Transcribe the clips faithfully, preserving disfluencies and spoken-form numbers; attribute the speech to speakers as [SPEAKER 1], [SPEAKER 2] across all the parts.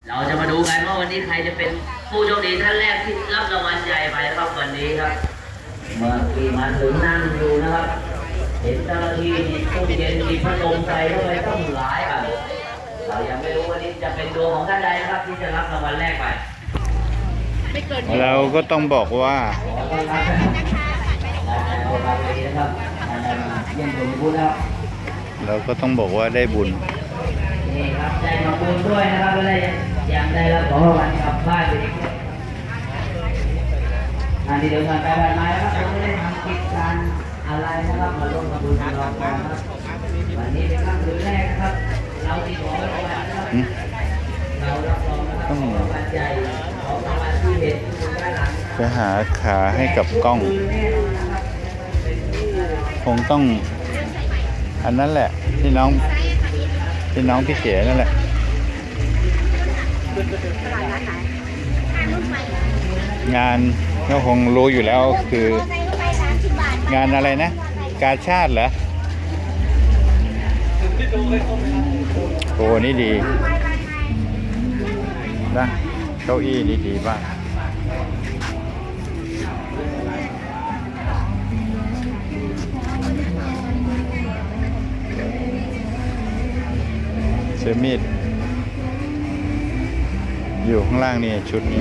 [SPEAKER 1] เราจะมาดูกันว่าวันนี้ใครจะเป็นผู้โชคดีท่านแรกที่รับรางวัลใหญ่ไปครับวันนี้ครับเมื่อกี้มาถึงนั่งดูนะครับเห็นเจ้าหน้าที่มีตู้เย็นมีพัดลมใส่เข้าไปต้องหลายอ่ะเรายังไม่รู้วันนี้จะเป็นดวงของท่านใดนะครับที่จะรับรางวัลแรกไป
[SPEAKER 2] เราก็ต้องบอกว่า
[SPEAKER 1] ขอต้อนรับนะครับเยี่ยมชมบุญครับ
[SPEAKER 2] เราก็ต้องบอกว่าได้บุญ
[SPEAKER 1] นี่ครับได้ทำบุญด้วยนะครับก็ได้ยังได้รับของรางวัลกลับบ้านไปอีกอันที่เดินทางไปบ้านไม้ครับเราไม่ได้ทำกิจการอะไรนะครับมาร่วมทำบุญกับเราครับวันนี้เป็นครั้งแรกนะครับเราที่ขอรางวัลนะครับเรารับรองนะครับของรางวัลใหญ่ของรางวัลที่เห็นอยู่ด้านหลัง
[SPEAKER 2] จะหาขาให้กับกล้องคงต้องอันนั้นแหละที่น้องที่น้องพี่เก๋นั่นแหละงานก็คงรู้อยู่แล้วคืองานอะไรนะกาชาติเหรอโอ้นี่ดีนะเก้าอี้นี่ดีมากเสื้อมีดอยู่ข้างล่างนี่ชุดนี้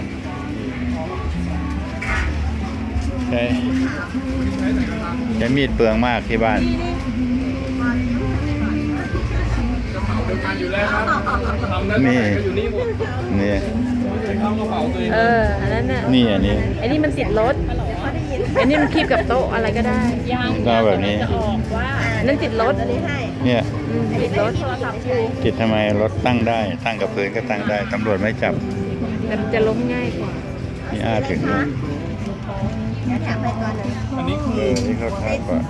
[SPEAKER 2] ใช่ใช้มีดเปลืองมากที่บ้านนี่นี่
[SPEAKER 3] เอออันนั้นน่ะ
[SPEAKER 2] นี่อันนี้
[SPEAKER 3] ไอ้นี่มันติดรถไอ้นี่มันคีบกับโต๊ะอะไรก็ได้
[SPEAKER 2] ก็แบบนี้
[SPEAKER 3] นั่นติดรถ
[SPEAKER 2] เนี่ย
[SPEAKER 3] ติดรถ
[SPEAKER 2] ติดทำไมรถตั้งได้ตั้งกับพื้นก็ตั้งได้ตำรวจไม่จับ
[SPEAKER 3] แต่มันจะล้มง่ายกว่า
[SPEAKER 2] นี่อาถึงนะอันนี้คือนี่เขาทากว่า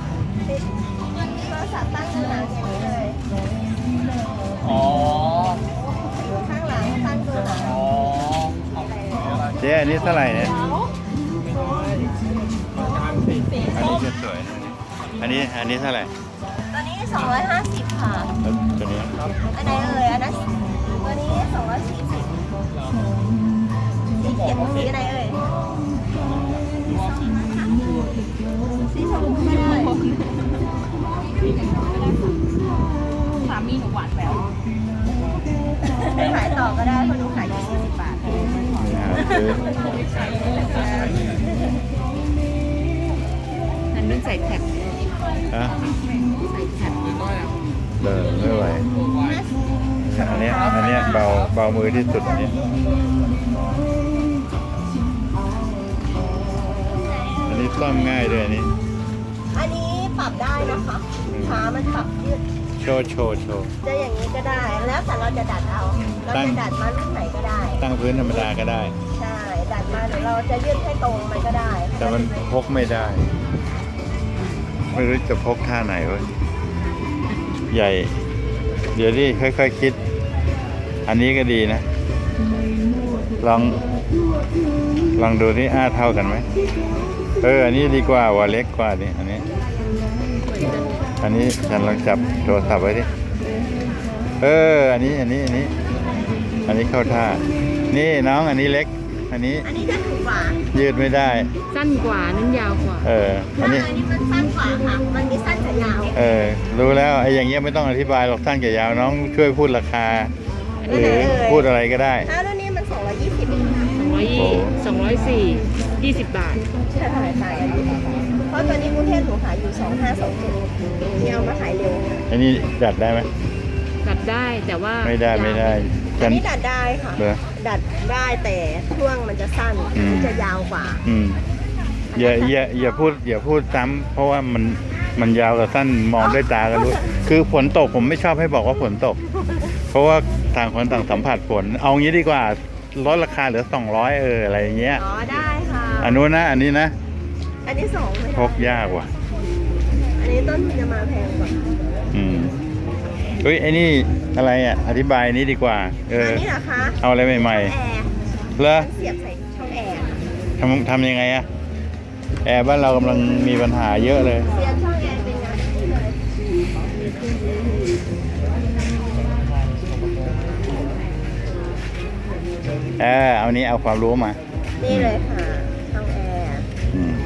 [SPEAKER 1] อ๋อ
[SPEAKER 4] ข้างหลังตั้งตัวหลัง
[SPEAKER 1] อ๋อ
[SPEAKER 2] เจ๊อันนี้เท่าไหร่เนี่ยอันนี้จะสวยอันนี้อันนี้เท่าไหร่
[SPEAKER 4] ตัวนี้สองร้อยห้าสิบค่ะ
[SPEAKER 2] ตัวนี้
[SPEAKER 4] อันไหนเอ่ยอันนั้นตัวนี้สองร้อยสี่สิบสีเขียวสีอะไรเอ่ยสีชมพูไม่ได้
[SPEAKER 3] สามีหนูหวานแหวว
[SPEAKER 4] ขายต่อก็ได้เพราะหนูขายอยู่สี่สิบบาท
[SPEAKER 3] อันนั้นใส่แท็บ
[SPEAKER 2] ฮะ
[SPEAKER 3] ใส่แท็บ
[SPEAKER 2] เดินไม่ไหวอันนี้อันนี้เบาเบามือที่สุดอันนี้อันนี้ซ่อมง่ายด้วยอันนี้
[SPEAKER 4] อันนี้ปรับได้นะคะขามันปรับยืด
[SPEAKER 2] โชว์โชว์โชว์
[SPEAKER 4] จะอย่างนี้ก็ได้แล้วแต่เราจะดัดเอาเราจะดัดมารุ่นไหนก็ได้
[SPEAKER 2] ตั้งพื้นธรรมดาก็ได้
[SPEAKER 4] ใช่ดัดมาเดี๋ยวเราจะยืดให้ตรงมันก็ได้
[SPEAKER 2] แต่มันพกไม่ได้ไม่รู้จะพกท่าไหนวะใหญ่เดี๋ยวดิค่อยๆ ค, คิดอันนี้ก็ดีนะลองลองดูนี่อ้าเท่ากันไหมเอออันนี้ดีกว่าว่าเล็กกว่านี่อันนี้อันนี้ฉันลองจับโทรศัพท์ไว้ดิเอออันนี้อันนี้อันนี้อันนี้เข้าท่านี่น้องอันนี้เล็กอันนี้
[SPEAKER 4] อันนี้จะถูกกว่า
[SPEAKER 2] ยืดไม่ได้
[SPEAKER 3] สั้นกว่านั้นยาวกว่า
[SPEAKER 2] เอออันนี้
[SPEAKER 4] อันนี้มันสั้นกว่าค่ะมันมีสั้นกับยาว
[SPEAKER 2] เออรู้แล้วไอ้อย่างเงี้ยไม่ต้องอธิบายหรอกสั้นกับยาวน้องช่วยพูดราคาหรือพูดอะไรก็ได้
[SPEAKER 4] ถ้ารุ่นนี้มันสองร้อยยี่สิบ
[SPEAKER 3] สองร้อยยี่สองร้อยสี่ยี่สิบบาท
[SPEAKER 4] ใช่ค่ะใช่เพราะตอนนี้กรุงเทพหนูขายอยู่สองห้าสองเจ็ดที่เอามาขายเร็ว
[SPEAKER 2] อันนี้ดัดได้ไหม
[SPEAKER 3] ดัดได้แต่ว่า
[SPEAKER 2] ไม่ได้ไม่ได้
[SPEAKER 4] อันนี้ดัดได้ค่ะดัดได้แต่ช่วงมันจะสั้นมันจะยาวกว่า
[SPEAKER 2] อืมอย่าอย่าอย่าพูดอย่าพูดซ้ำเพราะว่ามันมันยาวกับสั้นมองด้วยตาก็รู้คือฝนตกผมไม่ชอบให้บอกว่าฝนตกเพราะว่าต่างคนต่างสัมผัสฝนเอางี้ดีกว่าลดราคาเหลือสองร้อยเอออะไรอย่างเงี้ย
[SPEAKER 4] อ๋อได้ค่ะ
[SPEAKER 2] อันนู้นนะอันนี้นะ
[SPEAKER 4] อันนี้สอง
[SPEAKER 2] พกยากว่ะ
[SPEAKER 4] อันนี้ต้นทุนจะมาแพงกว่า
[SPEAKER 2] อืมเฮ้ยไอ้นี่อะไรอ่ะอธิบายนี้ดีกว่าเออ
[SPEAKER 4] อันนี้เหรอคะ
[SPEAKER 2] เอาอะไรใหม่
[SPEAKER 4] ๆแอร์
[SPEAKER 2] เหรอ
[SPEAKER 4] เสียบใส่ช่องแอร์
[SPEAKER 2] ทำทำยังไงอ่ะแอร์บ้านเรากำลังมีปัญหาเยอะเลย
[SPEAKER 4] เสียบช่องแอร์เป็นงานนี้เลย
[SPEAKER 2] เออเอานี้เอาความรู้มา
[SPEAKER 4] นี่เลยค่ะช่องแอร์
[SPEAKER 2] อืม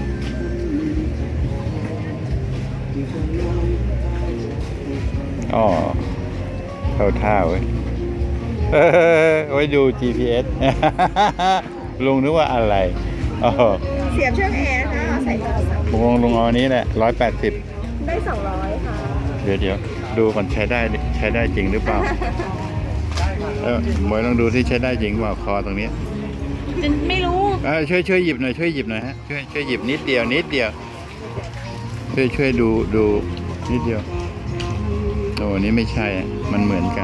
[SPEAKER 2] อ๋อเข้าท่าเว้ยเออไว้ดู จี พี เอส ลุงนึกว่าอะไรอ๋อ
[SPEAKER 4] เสียบช่องแอร์ค่ะใส่โทรศัพท์
[SPEAKER 2] ลุงลุงเอาอันนี้แหละร้อยแปดสิบ
[SPEAKER 4] ได้สองร้อยค่ะ
[SPEAKER 2] เดี๋ยวเดี๋ยวดูก่อนใช้ได้ใช้ได้จริงหรือเปล่า เออหมวยลองดูที่ใช้ได้จริงเปล่าคอตรงนี้
[SPEAKER 3] ไม่รู้
[SPEAKER 2] เออช่วยช่วยหยิบหน่อยช่วยหยิบหน่อยฮะช่วยช่วยหยิบนิดเดียวนิดเดียวช่วยช่วยดูดูนิดเดียวโอ้อันนี้ไม่ใช่อะมันเหมือนกัน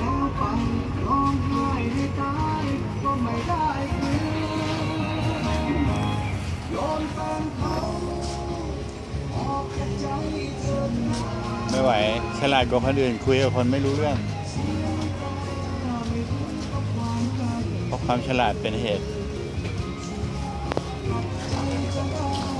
[SPEAKER 2] ไม่ไหวฉลาดกว่าคนอื่นคุยกับคนไม่รู้เรื่องเพราะความฉลาดเป็นเหตุ